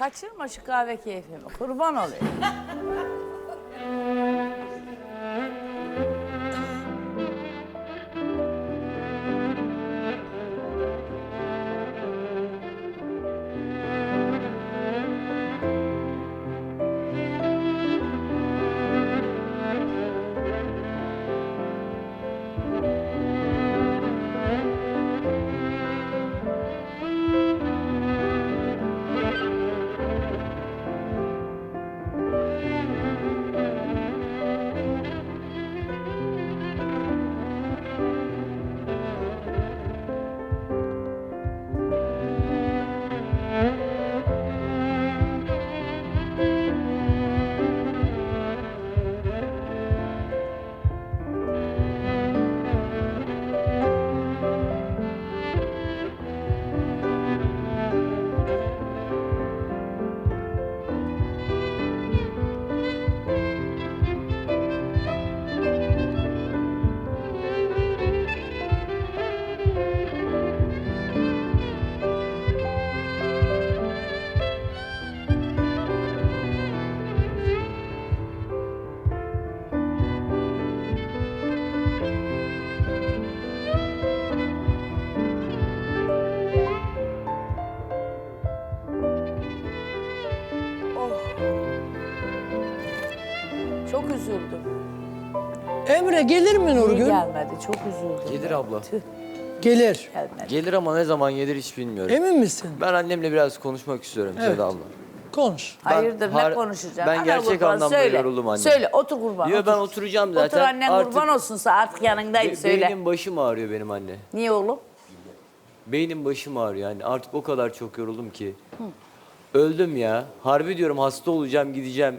Kaçırma şu kahve keyfimi. Kurban olayım. Çok üzüldüm. Emre gelir mi Niye Nurgül? gelmedi? Çok üzüldüm. Gelir ben. abla. Tüh, Gelir. gelmedi. Gelir ama ne zaman gelir hiç bilmiyorum. Emin misin? Ben annemle biraz konuşmak istiyorum Evet. Seda abla. Konuş. Hayırdır ne har- konuşacaksın? ben Ana gerçek kurban, anlamda söyle. yoruldum anne. Söyle otur kurban. Yo, ben otur. oturacağım zaten. Otur annen Artık kurban olsunsa artık yanındayım söyle. Beynim başım ağrıyor benim anne. Niye oğlum? Beynim başım ağrıyor yani artık o kadar çok yoruldum ki. Öldüm ya. Harbi diyorum hasta olacağım gideceğim.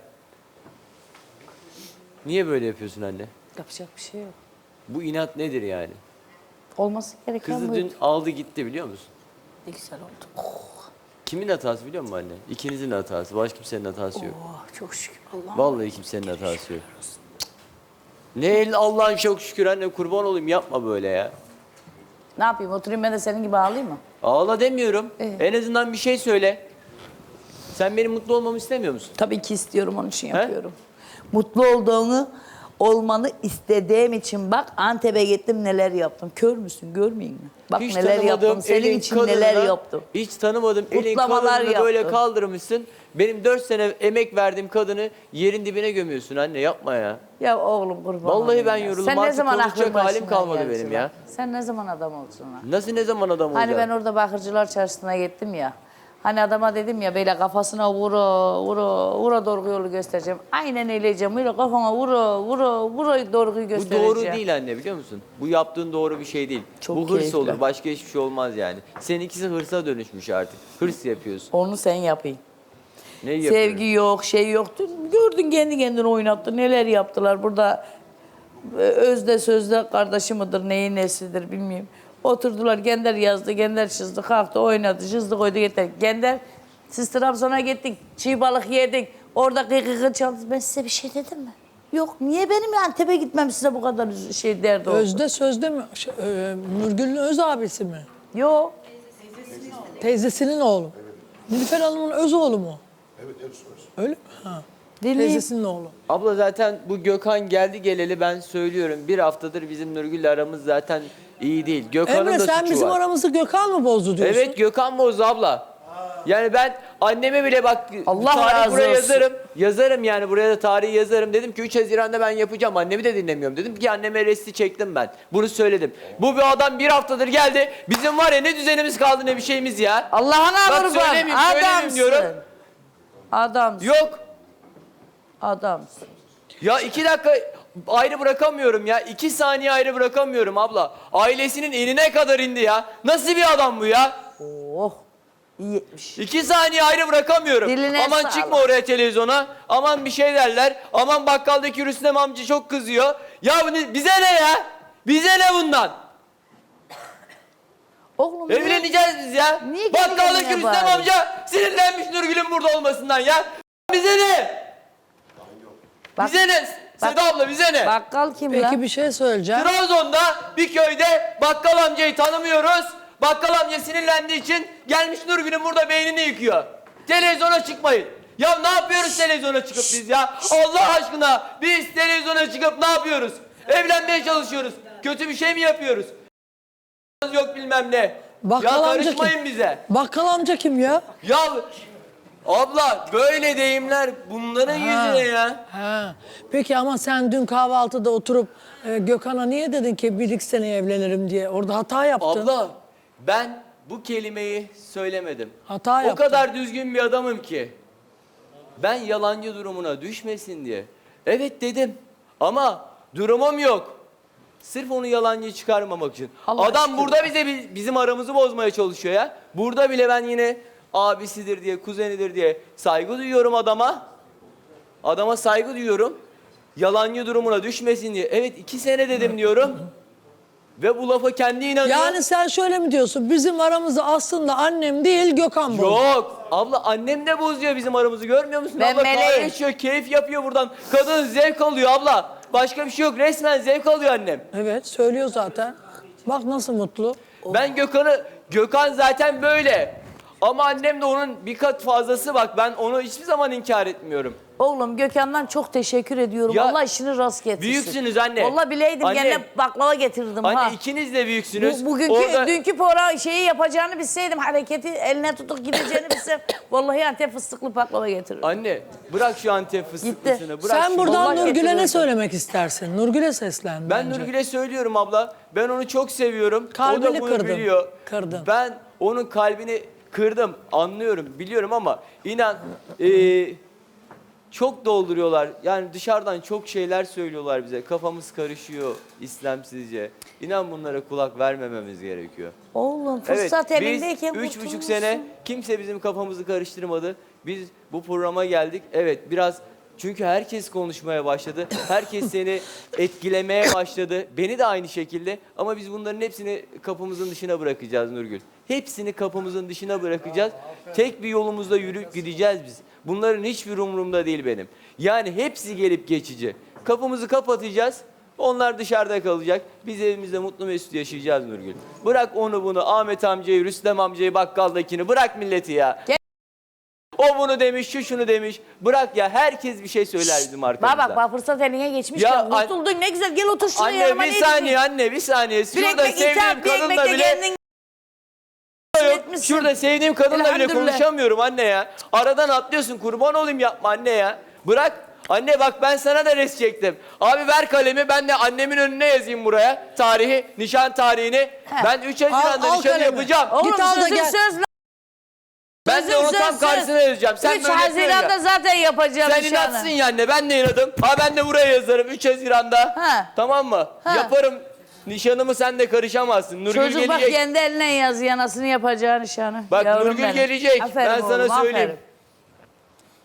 Niye böyle yapıyorsun anne? Yapacak bir şey yok. Bu inat nedir yani? Olması gereken Kızı buydu. dün aldı gitti biliyor musun? Ne güzel oldu. Kimin hatası biliyor musun anne? İkinizin hatası. Başka kimsenin hatası yok. Oh, çok şükür Allah'ım. Vallahi kimsenin hatası yok. Ne Allah'ın çok şükür anne kurban olayım yapma böyle ya. Ne yapayım oturayım ben de senin gibi ağlayayım mı? Ağla demiyorum. En azından bir şey söyle. Sen benim mutlu olmamı istemiyor musun? Tabii ki istiyorum onun için yapıyorum. Mutlu olmanı istediğim için bak Antep'e gittim neler yaptım. Kör müsün görmeyeyim mi? Bak Hiç neler tanımadığım yaptım senin elin için kadınına, neler yaptım. Hiç tanımadım elin Kutlamalar kadınını böyle yaptım. kaldırmışsın. Benim 4 sene emek verdiğim kadını yerin dibine gömüyorsun anne yapma ya. Ya oğlum kurban Vallahi olayım ben ya. yoruldum, Sen ne artık zaman konuşacak aklın halim başına kalmadı geldi benim lan? ya. Sen ne zaman adam oldun lan? Nasıl ne zaman adam olacağım? Hani ben orada Bakırcılar Çarşısı'na gittim ya. Hani adama dedim ya böyle kafasına vura doğru yolu göstereceğim. Aynen öyle diyeceğim. Böyle kafama vura doğruyu Bu göstereceğim. doğru değil anne biliyor musun? Bu yaptığın doğru bir şey değil. Çok Bu hırs keyifli. olur başka hiçbir şey olmaz yani. Seninkisi hırsa dönüşmüş artık. Hırs yapıyorsun. Onu sen yapayım. Neyi yapıyorum? Sevgi yok, şey yoktu. Gördün kendi kendine oynattı. Neler yaptılar burada. Özde sözde kardeşi midir, neyin nesidir bilmiyorum. Oturdular, Gender yazdı, Gender çizdi, kalktı, oynadı, çizdi, koydu, getirdi. Gender, siz Trabzon'a gittik, çiğ balık yedik, orada kıkı çaldı. Ben size bir şey dedim mi? Yok, niye benim Antep'e gitmem size bu kadar şey derdi oldu? Özde sözde mi? Nurgül'ün öz abisi mi? Yok. Teyzesinin oğlu. Nilüfer Hanım'ın öz oğlu mu? Evet, öz. Öyle mi? Ha. Dinleyin. Teyzesinin oğlu. Abla zaten bu Gökhan geldi geleli ben söylüyorum. Bir haftadır bizim Nurgül'le aramız zaten iyi değil. Gökhan'ın Emre da sen suçu bizim var. aramızı Gökhan mı bozdu diyorsun? Evet Gökhan bozdu abla. Yani ben anneme bile bak Allah tarih razı buraya olsun. yazarım. Yazarım yani buraya da tarihi yazarım. Dedim ki 3 Haziran'da ben yapacağım. Annemi de dinlemiyorum. Dedim ki anneme resti çektim ben. Bunu söyledim. Bu bir adam bir haftadır geldi. Bizim var ya ne düzenimiz kaldı ne bir şeyimiz ya. Allah'ına Bak kurban, söyleyeyim diyorum. Adamsın. Yok. Adamsın. Ya 2 dakika ayrı bırakamıyorum ya. 2 saniye ayrı bırakamıyorum abla. Ailesinin eline kadar indi ya. Nasıl bir adam bu ya? Oh, iyi etmiş. 2 saniye ayrı bırakamıyorum. Diline Aman sağlık. çıkma oraya televizyona. Aman bir şey derler. Aman bakkaldaki Rüstem amca çok kızıyor. Ya bize ne ya? Bize ne bundan? Oğlum Evleneceğiz biz ya. Niye kendi Bakkaldaki kendine Rüstem bağırıyorsun? amca sinirlenmiş Nurgül'ün burada olmasından ya. Bize ne? Bak- Bize ne? Seda abla bize ne? Bakkal kim Peki lan? bir şey söyleyeceğim. Trabzon'da bir köyde bakkal amcayı tanımıyoruz. Bakkal amca sinirlendiği için gelmiş Nurgül'ün burada beynini yıkıyor. Televizyona çıkmayın. Ya ne yapıyoruz televizyona çıkıp biz ya? Allah aşkına biz televizyona çıkıp ne yapıyoruz? Evlenmeye çalışıyoruz. Kötü bir şey mi yapıyoruz? Yok bilmem ne. Bakkal Ya amca karışmayın kim? bize. Bakkal amca kim ya? Ya abla böyle deyimler bunların yüzüne ya. Ha. Peki ama sen dün kahvaltıda oturup Gökhan'a niye dedin ki bir iki sene evlenirim diye? Orada hata yaptın. Abla ben bu kelimeyi söylemedim. Hata O yaptın. kadar düzgün bir adamım ki. Ben yalancı durumuna düşmesin diye. Evet dedim ama durumum yok. Sırf onu yalancı çıkarmamak için. Allah Adam aşkına. burada bizim aramızı bozmaya çalışıyor ya. Burada bile ben yine abisidir diye, kuzenidir diye saygı duyuyorum adama. Adama saygı duyuyorum. Yalancı durumuna düşmesin diye. Evet 2 sene dedim diyorum. Ve bu lafa kendi inanıyor. Yani sen şöyle mi diyorsun? Bizim aramızda aslında annem değil Gökhan bu. Yok. Abla annem de bozuyor bizim aramızı görmüyor musun? Ben abla kahve meleğim. içiyor, keyif yapıyor buradan. Kadın zevk alıyor abla. Başka bir şey yok. Resmen zevk alıyor annem. Evet söylüyor zaten. Bak nasıl mutlu. Ben Gökhan zaten böyle. Ama annem de onun bir kat fazlası bak. Ben onu hiçbir zaman inkar etmiyorum. Oğlum Gökhan'dan çok teşekkür ediyorum. Ya, Allah işini rast getirsin. büyüksünüz anne. Vallahi bileydim Anne. gene baklava getirdim Anne ha. ikiniz de büyüksünüz. Bugünkü Orada- dünkü program şeyi yapacağını bilseydim, hareketi eline tutup gideceğini bilsem vallahi Antep fıstıklı baklava getiririm. Anne bırak şu Antep fıstıklısını. Bırak Sen şu- buradan vallahi Nurgül'e ne getirirdim. söylemek istersin? Nurgül'e seslen Ben bence. Nurgül'e söylüyorum abla. Ben onu çok seviyorum. O Kalbini da bunu kırdın. biliyor. Kırdın. Ben onun kalbini kırdım. Anlıyorum, biliyorum ama inan çok dolduruyorlar. Yani dışarıdan çok şeyler söylüyorlar bize. Kafamız karışıyor İslamsizce. İnan bunlara kulak vermememiz gerekiyor. Oğlum Evet, fırsat biz elindeyken 3,5 kurtulmuşsun. sene kimse bizim kafamızı karıştırmadı. Biz bu programa geldik. Evet biraz çünkü herkes konuşmaya başladı. Herkes seni etkilemeye başladı. Beni de aynı şekilde. Ama biz bunların hepsini kapımızın dışına bırakacağız Nurgül. Hepsini kapımızın dışına bırakacağız. Tek bir yolumuzda yürüyüp gideceğiz biz. Bunların hiçbir umurumda değil benim. Yani hepsi gelip geçici. Kapımızı kapatacağız. Onlar dışarıda kalacak. Biz evimizde mutlu mesut yaşayacağız Nurgül. Bırak onu bunu, Ahmet amcayı, Rüstem amcayı, bakkaldakini. Bırak milleti ya. Gel. O bunu demiş, şu şunu demiş. Bırak ya, herkes bir şey söyler bizim arkamızda. Bak fırsat eline geçmiş Ya ya. Kurtuldun ne güzel, gel otur şuraya Anne yanıma, bir ne saniye diyeceksin? anne, bir saniye. Bir Şurada ekmek sevdiğim ithal, bir kadınla ekmekle bile... kendin Yok. etmişsin. Şurada sevdiğim kadınla bile Elhamdülillah. konuşamıyorum anne ya. Aradan atlıyorsun, kurban olayım yapma anne ya. Bırak. Anne bak ben sana da res çektim. Abi ver kalemi, ben de annemin önüne yazayım buraya. Tarihi, nişan tarihini. Ben 3 Haziran'da al nişanı kalemi. yapacağım. Oğlum Git al da sözüm gel. söz lan. Ben de onu tam karşısına yazacağım. Sen 3 böyle Haziran'da söyle. zaten yapacağım Sen nişanı. inatsın ya anne, ben de inadım. Ha ben de buraya yazarım 3 Haziran'da. Ha. Tamam mı? Ha. Yaparım. Nişanımı sen de karışamazsın. Nurgül Çocuk bak gelecek. kendi eline yazıyor anasını yapacağı nişanı. Bak Yavrum Nurgül benim. gelecek. Aferin Ben sana oğlum, söyleyeyim. aferin.